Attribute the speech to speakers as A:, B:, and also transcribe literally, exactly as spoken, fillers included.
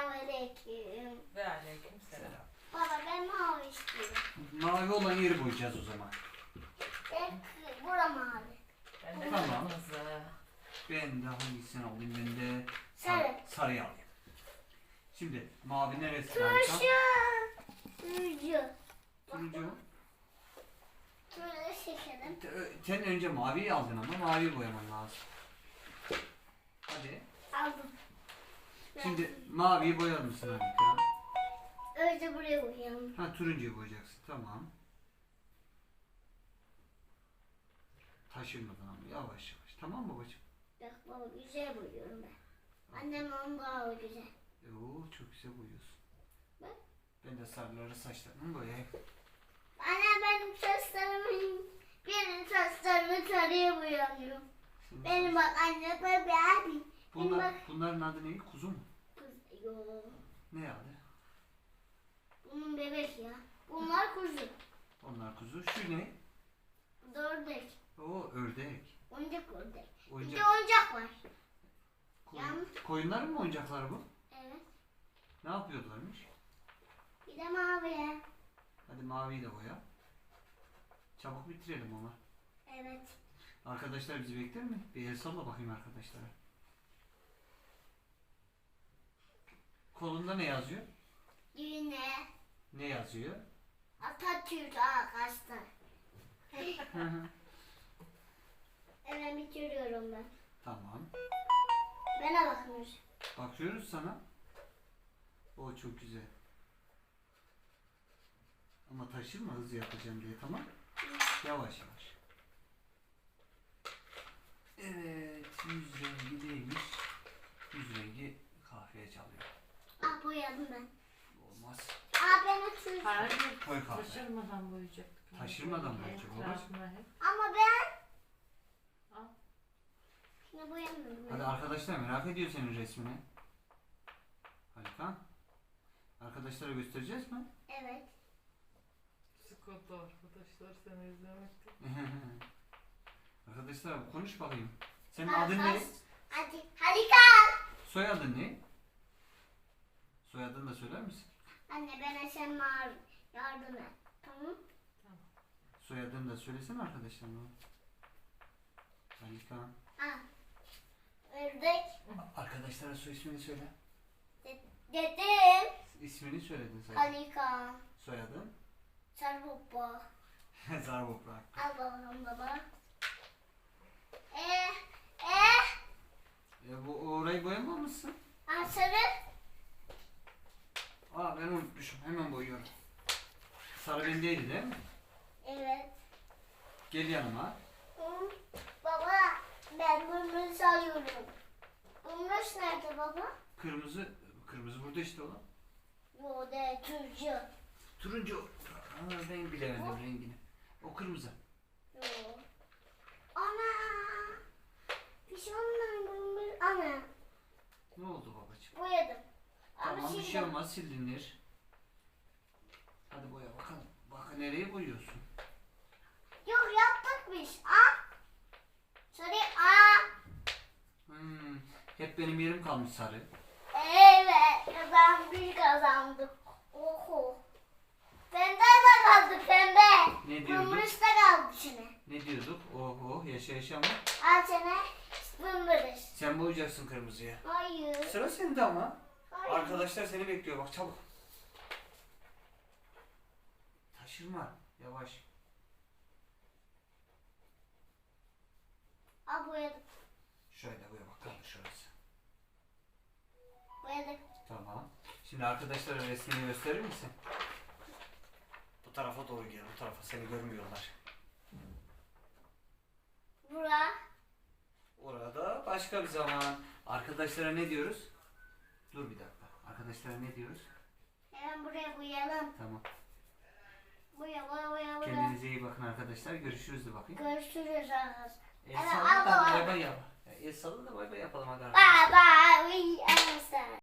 A: Selamünaleyküm.
B: Ve aleyküm selam.
A: Baba ben mavi istiyorum.
C: Mavi olan yeri boyayacağız o zaman.
A: Ben bura mavi.
B: Ben de
C: Tamam.
B: kırmızı.
C: Ben de hangisini alayım? Ben de
A: Sarı.
C: sarıyı alayım. Şimdi mavi neresi harika?
A: Turşu. Turşu.
C: Turuncu mu?
A: Turşu şekerim.
C: Te- Sen önce maviyi aldın ama maviyi boyaman lazım. Hadi.
A: Aldım.
C: Şimdi maviyi boyar mısın harika?
A: Önce buraya koyalım.
C: Ha turuncuyu boyayacaksın. Tamam. Taşırmadan ama yavaş yavaş. Tamam mı babacığım?
A: Bak baba güzel boyuyorum ben. Annem onun daha güzel.
C: E, Oo, çok güzel boyuyorsun.
A: Bak.
C: Ben de sarıları saçlarımı boyayayım.
A: Anne benim saçlarımın birinin saçlarını sarıya boyamıyor.
C: Şimdi
A: Benim
C: saç-
A: bak anne baba abi. Benim
C: Bunlar,
A: bak.
C: bunların adı ne? Kuzu mu?
A: Kız, yo.
C: Ne adı?
A: Bunun bebek ya. Bunlar kuzu.
C: Onlar kuzu. Şu ne?
A: Bu da ördek.
C: O ördek.
A: Oyuncak ördek. Bir de
C: Oyuncak.
A: oyuncak var.
C: Koyun,
A: Yalnız-
C: koyunların mı oyuncakları bu?
A: Evet.
C: Ne yapıyorlarmış?
A: Bir de mavi.
C: Hadi maviyi de boya. Çabuk bitirelim ama.
A: Evet.
C: Arkadaşlar bizi bekler mi? Bir el salla bakayım arkadaşlara. Kolunda ne yazıyor?
A: Düğüne.
C: Ne yazıyor?
A: Atatürk arkadaşlar. Evet bitiriyorum ben.
C: Tamam.
A: Bana bakmış.
C: Bakıyoruz sana. O çok güzel. Ama taşırma hızlı yapacağım diye, tamam? Yavaş yavaş. Evet, yüz rengi neymiş? Yüz rengi kahveye çalıyor.
A: Ah boyadım ben.
C: Olmaz.
A: Ah ben Atatürk.
B: Hayır.
C: Koy kahve.
B: Taşırmadan boyayacaktık.
C: Taşırmadan boyayacak olur.
B: Taşma hep.
A: Ama ben.
B: Al.
A: Şimdi boyamıyorum.
C: Hadi arkadaşlar merak ediyor senin resmini. Harika. Arkadaşlara göstereceğiz mi?
A: Evet.
B: Sıkıntı arkadaşlar seni izlemekte.
C: Arkadaşlar konuş bakayım. Senin adın ne?
A: Hadi. Hadi kal.
C: Soyadın ne? Soyadını da söyler misin?
A: Anne ben sen var. Yardım et. Tamam.
C: Soyadını da söylesene arkadaşlarına. Harika.
A: Ah. Ördek.
C: Arkadaşlara soy ismini söyle.
A: Dedim.
C: İsmini söyledin sen.
A: Halika.
C: Soyadın?
A: Sarbupa.
C: Zarboprak.
A: Al bakalım baba. Eee. Eee.
C: E, bu orayı boyamamışsın.
A: Ah sarı.
C: Aa ben unutmuşum. Hemen boyuyorum. Sarı bendeydi değil mi?
A: Evet.
C: Gel yanıma.
A: Hı. Baba ben bunu sarıyorum. Bunlar nerede baba?
C: Kırmızı. Kırmızı burada işte oğlum.
A: Yo de turcu.
C: Turuncu. Aa, ben bilemedim rengini. O kırmızı.
A: Yo. Ana. Bir şey olmadı. Ana.
C: Ne oldu babacığım?
A: Boyadım.
C: Tamam
A: Ama
C: bir şey
A: şimdi-
C: olmaz, silinir. Hadi boya bakalım. Bak nereye boyuyorsun?
A: Yok yaptık biz. Ah. Sarı. Ah.
C: Hmm, hep benim yerim kalmış sarı.
A: Evet. Ben bir kazandım. Oho. Pembe de kaldı pembe.
C: Ne diyorduk?
A: Kırmızı da kaldı içine.
C: Ne diyorduk? Oho yaşa yaşa mı?
A: Al sana kırmızı.
C: Sen boyayacaksın kırmızıya.
A: Hayır.
C: Sıra sende ama.
A: Hayır.
C: Arkadaşlar seni bekliyor bak çabuk. Taşırma. Yavaş.
A: Al boyadım.
C: Şöyle boya bakalım şurası.
A: Boyadık.
C: Tamam. Şimdi arkadaşlara resmini gösterir misin? Bu tarafa doğru gel. Bu tarafa seni görmüyorlar.
A: Bura.
C: Orada başka bir zaman. Arkadaşlara ne diyoruz? Dur bir dakika. Arkadaşlara ne diyoruz?
A: Hemen buraya boyayalım.
C: Tamam.
A: Boya boya boya boya.
C: Kendinize iyi bakın arkadaşlar. Görüşürüz de bakayım.
A: Görüşürüz arkadaşlar.
C: El
A: Evet,
C: salla
A: al
C: da
A: baba.
C: bay bay yap. El salla da bay bay yapalım hadi.
A: Bye bye. We understand.